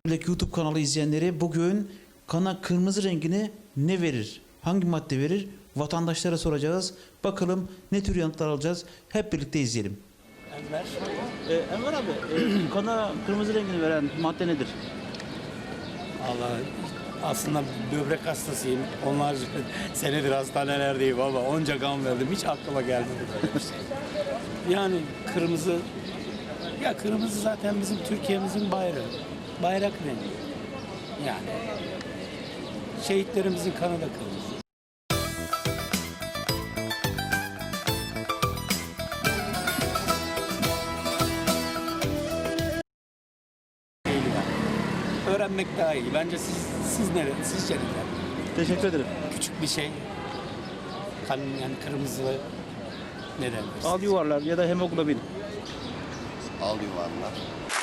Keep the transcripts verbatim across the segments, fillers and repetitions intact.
YouTube kanalı izleyenleri, bugün kana kırmızı rengini ne verir? Hangi madde verir? Vatandaşlara soracağız. Bakalım ne tür yanıtlar alacağız? Hep birlikte izleyelim. Enver. Ee, Enver abi, e, kana kırmızı rengini veren madde nedir? Allah, aslında böbrek hastasıyım. Onlarca senedir hastanelerdeyim ama onca kan verdim. Hiç aklıma gelmedi böyle bir şey. Yani kırmızı, ya kırmızı zaten bizim Türkiye'mizin bayrağı. Bayrak rengi. Yani şehitlerimizin kanı da kırmızı. Değil yani. Öğrenmek daha iyi. Bence siz siz nere? Sizce neden? Teşekkür ederim. Küçük bir şey. Kan yani kırmızı neden? Al yuvarlar ya da hemoglobin. Al yuvarlar.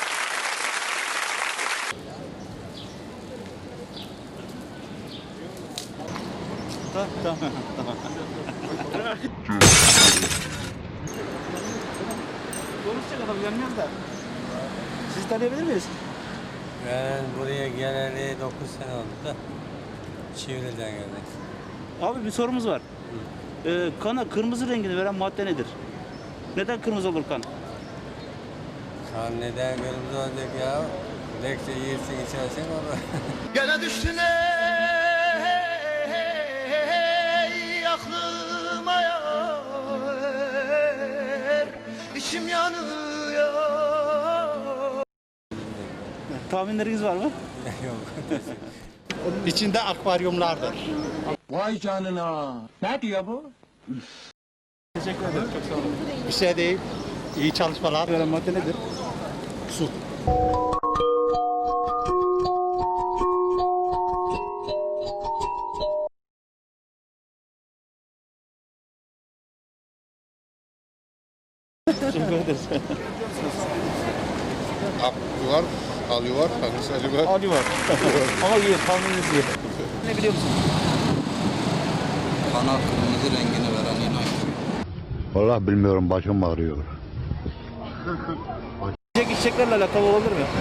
Tamam, tamam. Konuşacak adam yanmıyor da. Sizi tanıyabilir miyiz? Ben buraya geleli dokuz sene oldu da Çivri'den geldik. Abi bir sorumuz var. Ee, kana kırmızı rengini veren madde nedir? Neden kırmızı olur kan? Kan neden kırmızı olacak ya? Lekçe yiyirsin içersin olur. Gene düştün ey aklıma yar, içim yanıyor. Tahminleriniz var mı? Yok. İçinde akvaryumlardır. Vay canına. Ne diyor bu? Teşekkür ederim. Çok sağ olun. Bir şey değil. İyi çalışmalar. Veren madde nedir? Su. Teşekkür ederiz. Yuvar, al yuvar, hangisi al yuvar? Ali var. Ama iyi, tahmininiz iyi. Ne biliyor musun? Kana kırmızı rengini veren inanç. Vallahi bilmiyorum, başım ağrıyor. Yiyecek içeceklerle alakalı olabilir mi?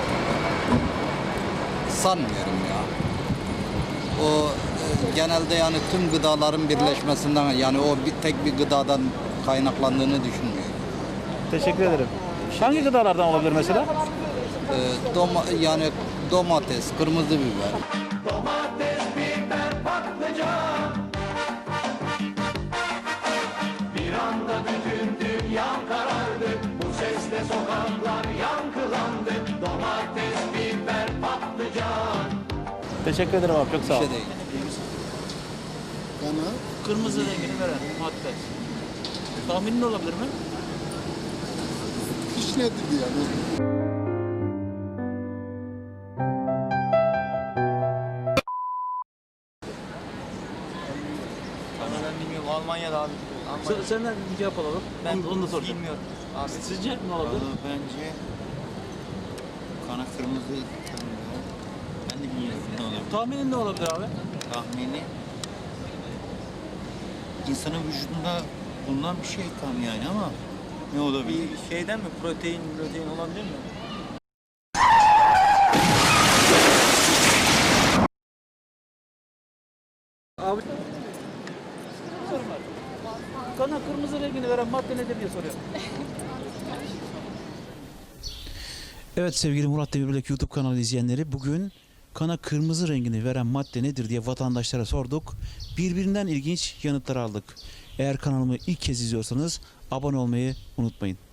Sanmıyorum ya. O e, genelde yani tüm gıdaların birleşmesinden, yani o bir tek bir gıdadan kaynaklandığını düşünmüyorum. Teşekkür ederim. Hangi gıdalardan olabilir mesela? E, doma, yani domates, kırmızı biber. Teşekkür ederim abi, çok sağ ol. Bir şey değil. Kırmızı rengini veren madde. Tahminin olabilir mi? Hiç nedir yani? Ben bilmiyorum. Almanya'da abi. Sen, senden bir cevap alalım. Ben onu, onu da soracağım. bilmiyorum. Abi. Sizce ne olabilir? Bence kana kırmızı tanımıyor. Ben de bilmiyorum ne olabilir. Tahminin ne olabilir abi? Tahmini insanın vücudunda bulunan bir şey kan yani, ama ne olabilir? Bir şeyden mi? Protein, protein olabilir mi? Abi. Sorum var. Kana kırmızı rengini veren madde nedir diye soruyorum. Evet sevgili Murat Demirbilek YouTube kanalı izleyenleri, bugün kana kırmızı rengini veren madde nedir diye vatandaşlara sorduk. Birbirinden ilginç yanıtlar aldık. Eğer kanalımı ilk kez izliyorsanız abone olmayı unutmayın.